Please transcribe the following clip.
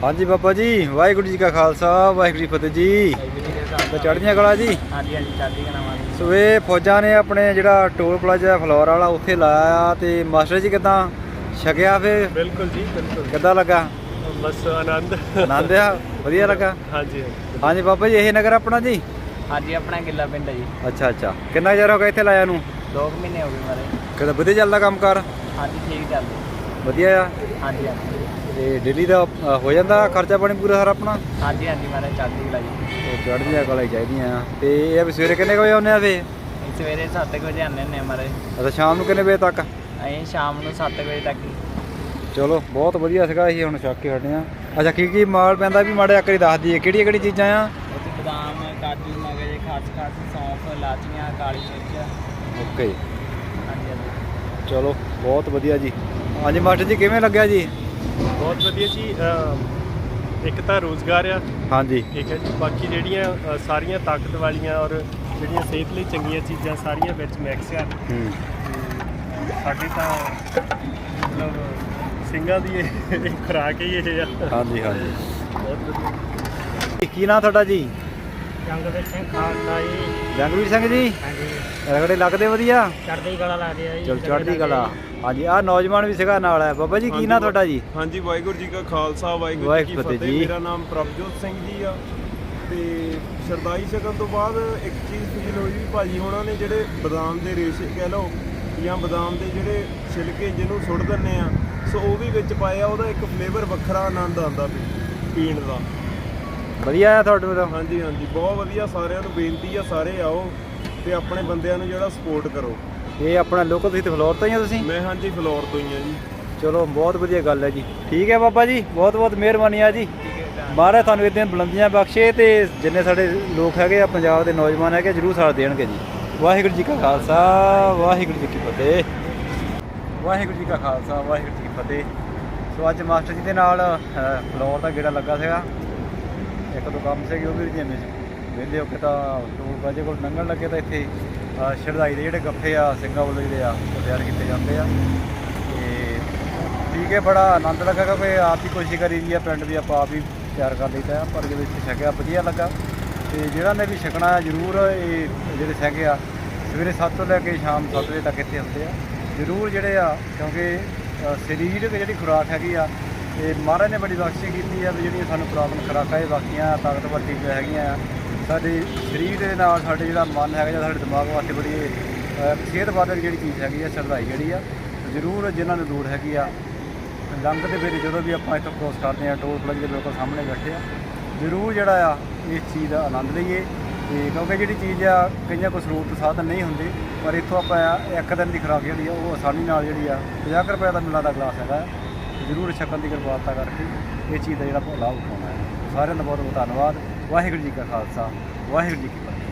ਹਾਂਜੀ ਬਾਬਾ ਜੀ, ਵਾਹਿਗੁਰੂ ਜੀ ਕਾ ਖਾਲਸਾ ਵਾਹਿਗੁਰੂ ਜੀ ਫਤਿਹ ਜੀ। ਤੇ ਚੜ੍ਹਦੀਆਂ ਕਲਾ ਜੀ। ਹਾਂਜੀ ਹਾਂਜੀ ਚੜ੍ਹਦੀ ਕਲਾ ਵਾਲੀ। ਸੋ ਇਹ ਫੌਜਾਂ ਨੇ ਆਪਣੇ ਜਿਹੜਾ ਟੋਲ ਪਲਾਜ਼ਾ ਫਲੋਰ ਵਾਲਾ ਉੱਥੇ ਲਾਇਆ ਤੇ ਮਾਸਟਰ ਜੀ ਕਿੱਦਾਂ ਛਕਿਆ ਫਿਰ? ਬਿਲਕੁਲ ਜੀ ਬਿਲਕੁਲ। ਕਿੱਦਾਂ ਲੱਗਾ? ਬਸ ਆਨੰਦ ਆਨੰਦ ਆ, ਵਧੀਆ ਲੱਗਾ। ਹਾਂਜੀ ਹਾਂਜੀ ਬਾਬਾ ਜੀ, ਇਹ ਨਗਰ ਆਪਣਾ ਜੀ? ਹਾਂਜੀ ਆਪਣਾ ਗਿੱਲਾ ਪਿੰਡ ਹੈ ਜੀ। ਅੱਛਾ, ਕਿੰਨਾ ਚਿਰ ਹੋ ਗਿਆ ਇੱਥੇ ਲਾਇਆ ਨੂੰ? 2 ਮਹੀਨੇ ਹੋ ਗਏ ਮਾਰੇ। ਕਿੱਦਾਂ ਵਧੀਆ ਚੱਲਦਾ ਕੰਮ ਕਾਰ? ਹਾਂਜੀ ਠੀਕ ਚੱਲਦਾ। ਵਧੀਆ ਆ। ਹਾਂਜੀ ਹਾਂਜੀ ਤੇ ਡੇਲੀ ਦਾ ਹੋ ਜਾਂਦਾ ਖਰਚਾ ਪਾਣੀ ਪੂਰਾ ਸਾਰਾ ਆਪਣਾ? ਹਾਂਜੀ ਹਾਂਜੀ ਮਾਰੇ ਚੜ੍ਹਦੀ ਕਲਾ ਜੀ। ਤੇ ਚੜ੍ਹਦੀਆਂ ਕਲਾ ਹੀ ਚਾਹੀਦੀਆਂ ਆ। ਤੇ ਇਹ ਵੀ ਸਵੇਰੇ ਕਿੰਨੇ ਕੁ ਵਜੇ ਆਉਂਦੇ ਆ ਫੇ? ਸਵੇਰੇ 7 ਵਜੇ ਆਉਂਦੇ ਹੁੰਦੇ ਮਾਰੇ। ਅੱਛਾ, ਸ਼ਾਮ ਨੂੰ ਕਿੰਨੇ ਵਜੇ ਤੱਕ? ਅਸੀਂ ਸ਼ਾਮ ਨੂੰ 7 ਵਜੇ ਤੱਕ ਹੀ। ਚਲੋ ਬਹੁਤ ਵਧੀਆ ਸੀਗਾ। ਅਸੀਂ ਹੁਣ ਛੱਕ ਕੇ ਹਟੇ ਆ। ਅੱਛਾ, ਕੀ ਮਾਲ ਪੈਂਦਾ ਵੀ ਮਾੜੇ ਆਕਰੀ ਦੱਸ ਦਈਏ, ਕਿਹੜੀ ਚੀਜ਼ਾਂ ਆ? ਉੱਥੇ ਬਦਾਮ, ਕਾਜੂ, ਮਗਜ਼, ਖਸਖਸ, ਸੌਂਫ, ਇਲਾਚੀਆਂ, ਕਾਲੀ ਮਿਰਚ। ਓਕੇ, ਹਾਂਜੀ ਹਾਂਜੀ ਚਲੋ ਬਹੁਤ ਵਧੀਆ ਜੀ। ਹਾਂਜੀ ਮਾਸਟਰ ਜੀ, ਕਿਵੇਂ ਲੱਗਿਆ ਜੀ? ਬਹੁਤ ਵਧੀਆ ਜੀ। ਇੱਕ ਤਾਂ ਰੋਜ਼ਗਾਰ ਆ, ਹਾਂਜੀ ਠੀਕ ਹੈ ਜੀ। ਬਾਕੀ ਜਿਹੜੀਆਂ ਸਾਰੀਆਂ ਤਾਕਤ ਵਾਲੀਆਂ ਔਰ ਜਿਹੜੀਆਂ ਸਿਹਤ ਲਈ ਚੰਗੀਆਂ ਚੀਜ਼ਾਂ ਸਾਰੀਆਂ ਵਿੱਚ ਮਿਕਸ ਆ। ਸਾਡੀ ਤਾਂ ਮਤਲਬ ਸਿੰਘਾਂ ਦੀ ਇਹ ਖੁਰਾਕ ਹੀ ਇਹ ਆ। ਹਾਂਜੀ ਬਹੁਤ ਵਧੀਆ। ਕੀ ਨਾਂ ਤੁਹਾਡਾ ਜੀ? ਜੰਗਵੀਰ ਸਿੰਘ ਖਾਲਸਾ ਜੀ। ਜੰਗਵੀਰ ਸਿੰਘ ਜੀ, ਹਾਂਜੀ ਰਗੜੇ ਲੱਗਦੇ ਵਧੀਆ? ਚੜ੍ਹਦੀ ਕਲਾ ਲੱਗਦੀ ਆ ਜੀ। ਚਲੋ ਚੜ੍ਹਦੀ ਕਲਾ। ਹਾਂਜੀ, ਆਹ ਨੌਜਵਾਨ ਵੀ ਸੀਗਾ ਨਾਲ ਹੈ। ਬਾਬਾ ਜੀ, ਕੀ ਨਾਂ ਤੁਹਾਡਾ ਜੀ? ਹਾਂਜੀ, ਵਾਹਿਗੁਰੂ ਜੀ ਕਾ ਖਾਲਸਾ ਵਾਹਿਗੁਰੂ ਜੀ ਕੀ ਫਤਿਹ। ਮੇਰਾ ਨਾਮ ਪ੍ਰਭਜੋਤ ਸਿੰਘ ਜੀ ਆ। ਤੇ ਸ਼ਰਦਾਈ ਛਕਣ ਤੋਂ ਬਾਅਦ ਇੱਕ ਚੀਜ਼ ਫੀਲ ਹੋਈ ਵੀ ਭਾਜੀ ਹੋਣਾ ਨੇ ਜਿਹੜੇ ਬਦਾਮ ਦੇ ਰੇਸ਼ੇ ਕਹਿ ਲਓ ਜਾਂ ਬਦਾਮ ਦੇ ਜਿਹੜੇ ਛਿਲਕੇ ਜਿਹਨੂੰ ਸੁੱਟ ਦਿੰਦੇ ਆ, ਸੋ ਉਹ ਵੀ ਵਿੱਚ ਪਾਇਆ। ਉਹਦਾ ਇੱਕ ਫਲੇਵਰ ਵੱਖਰਾ ਆਨੰਦ ਆਉਂਦਾ ਪੀਣ ਦਾ। ਵਧੀਆ ਆ ਤੁਹਾਡੇ ਵੱਲੋਂ? ਹਾਂਜੀ ਹਾਂਜੀ, ਬਹੁਤ ਵਧੀਆ। ਸਾਰਿਆਂ ਨੂੰ ਬੇਨਤੀ ਆ, ਸਾਰੇ ਆਓ ਤੇ ਆਪਣੇ ਬੰਦਿਆਂ ਨੂੰ ਜਿਹੜਾ ਸਪੋਰਟ ਕਰੋ। ਇਹ ਆਪਣਾ ਲੋਕਲ, ਤੁਸੀਂ ਤੇ ਫਲੋਰ ਤੋਂ ਹੀ ਆ ਤੁਸੀਂ? ਮੈਂ ਹਾਂਜੀ ਫਲੋਰ ਤੋਂ ਹੀ ਆ ਜੀ। ਚਲੋ ਬਹੁਤ ਵਧੀਆ ਗੱਲ ਹੈ ਜੀ। ਠੀਕ ਹੈ ਬਾਬਾ ਜੀ, ਬਹੁਤ ਬਹੁਤ ਮਿਹਰਬਾਨੀ ਆ ਜੀ। ਮਹਾਰਾਜ ਤੁਹਾਨੂੰ ਇਦਾਂ ਬੁਲੰਦੀਆਂ ਬਖਸ਼ੇ ਤੇ ਜਿੰਨੇ ਸਾਡੇ ਲੋਕ ਹੈਗੇ ਆ ਪੰਜਾਬ ਦੇ ਨੌਜਵਾਨ ਹੈਗੇ ਜ਼ਰੂਰ ਸਾਥ ਦੇਣਗੇ ਜੀ। ਵਾਹਿਗੁਰੂ ਜੀ ਕਾ ਖਾਲਸਾ ਵਾਹਿਗੁਰੂ ਜੀ ਕੀ ਫਤਿਹ। ਵਾਹਿਗੁਰੂ ਜੀ ਕਾ ਖਾਲਸਾ ਵਾਹਿਗੁਰੂ ਜੀ ਕੀ ਫਤਿਹ। ਸੋ ਅੱਜ ਮਾਸਟਰ ਜੀ ਦੇ ਨਾਲ ਫਲੋਰ ਦਾ ਗੇੜਾ ਲੱਗਾ ਸੀਗਾ। ਇੱਕ ਦੋ ਕੰਮ ਸੀਗੇ, ਉਹ ਵੀ ਜਿਵੇਂ ਵਿਹਲੇ ਹੋ ਕੇ ਤਾਂ ਟੋਲ ਪਲਾਜ਼ੇ ਕੋਲ ਲੰਘਣ ਲੱਗੇ ਤਾਂ ਇੱਥੇ ਸ਼ਰਦਾਈ ਦੇ ਜਿਹੜੇ ਗੱਫੇ ਆ ਸਿੰਘਾਂ ਵੱਲੋਂ ਜਿਹੜੇ ਆ ਉਹ ਤਿਆਰ ਕੀਤੇ ਜਾਂਦੇ ਆ। ਤੇ ਠੀਕ ਹੈ, ਬੜਾ ਆਨੰਦ ਲੱਗਾ ਕਿਉਂਕਿ ਆਪ ਹੀ ਕੋਸ਼ਿਸ਼ ਕਰੀ ਦੀ ਆ ਪਿੰਡ ਦੀ, ਆਪਾਂ ਆਪ ਹੀ ਤਿਆਰ ਕਰ ਲਈਦਾ। ਪਰ ਜਦੋਂ ਇੱਥੇ ਛਕਿਆ ਵਧੀਆ ਲੱਗਾ। ਤੇ ਜਿਹੜਾ ਨੇ ਵੀ ਛਕਣਾ ਜ਼ਰੂਰ, ਇਹ ਜਿਹੜੇ ਸਿੰਘ ਆ ਸਵੇਰੇ 7 ਤੋਂ ਲੈ ਕੇ ਸ਼ਾਮ 7 ਵਜੇ ਤੱਕ ਇੱਥੇ ਹੁੰਦੇ ਆ ਜ਼ਰੂਰ ਜਿਹੜੇ ਆ, ਕਿਉਂਕਿ ਸਰੀਰਕ ਜਿਹੜੀ ਖੁਰਾਕ ਹੈਗੀ ਆ ਇਹ ਮਹਾਰਾਜ ਨੇ ਬੜੀ ਬਖਸ਼ਿਸ਼ ਕੀਤੀ ਆ ਵੀ ਜਿਹੜੀਆਂ ਸਾਨੂੰ ਪੁਰਾਤਨ ਖੁਰਾਕਾਂ ਇਹ ਬਾਕੀਆਂ ਤਾਕਤਵਰ ਚੀਜ਼ਾਂ ਹੈਗੀਆਂ ਆ। ਸਾਡੇ ਸਰੀਰ ਦੇ ਨਾਲ ਸਾਡੇ ਜਿਹੜਾ ਮਨ ਹੈਗਾ ਜਾਂ ਸਾਡੇ ਦਿਮਾਗ ਵਾਸਤੇ ਬੜੀ ਸਿਹਤਵਰਕ ਜਿਹੜੀ ਚੀਜ਼ ਹੈਗੀ ਆ ਸ਼ਰਦਾਈ ਜਿਹੜੀ ਆ ਜ਼ਰੂਰ ਜਿਨ੍ਹਾਂ ਨੂੰ ਲੋੜ ਹੈਗੀ ਆ। ਲੰਘ ਦੇ ਵੇਲੇ ਜਦੋਂ ਵੀ ਆਪਾਂ ਇੱਥੋਂ ਕ੍ਰੋਸ ਕਰਦੇ ਹਾਂ ਟੋਲ ਪਲਾਜ਼ੇ ਦੇ ਬਿਲਕੁਲ ਸਾਹਮਣੇ ਬੈਠੇ ਆ, ਜ਼ਰੂਰ ਜਿਹੜਾ ਆ ਇਸ ਚੀਜ਼ ਦਾ ਆਨੰਦ ਲਈਏ। ਤੇ ਕਿਉਂਕਿ ਜਿਹੜੀ ਚੀਜ਼ ਆ ਕਈਆਂ ਕੋਲ ਸਰੋਤ ਸਾਧਨ ਨਹੀਂ ਹੁੰਦੇ, ਪਰ ਇੱਥੋਂ ਆਪਾਂ ਇੱਕ ਦਿਨ ਦੀ ਖੁਰਾਕ ਜਿਹੜੀ ਆ ਉਹ ਆਸਾਨੀ ਨਾਲ ਜਿਹੜੀ ਆ 50 ਰੁਪਏ ਦਾ ਮਿਲਾਂ ਦਾ ਗਲਾਸ ਹੈਗਾ, ਜ਼ਰੂਰ ਛਕਣ ਦੀ ਕਿਰਪਾਲਤਾ ਕਰਕੇ ਇਹ ਚੀਜ਼ ਦਾ ਜਿਹੜਾ ਲਾਭ ਉਠਾਉਣਾ ਹੈ। ਸਾਰਿਆਂ ਦਾ ਬਹੁਤ ਬਹੁਤ ਧੰਨਵਾਦ। ਵਾਹਿਗੁਰੂ ਜੀ ਕਾ ਖਾਲਸਾ ਵਾਹਿਗੁਰੂ ਜੀ ਕੀ ਫਤਿਹ।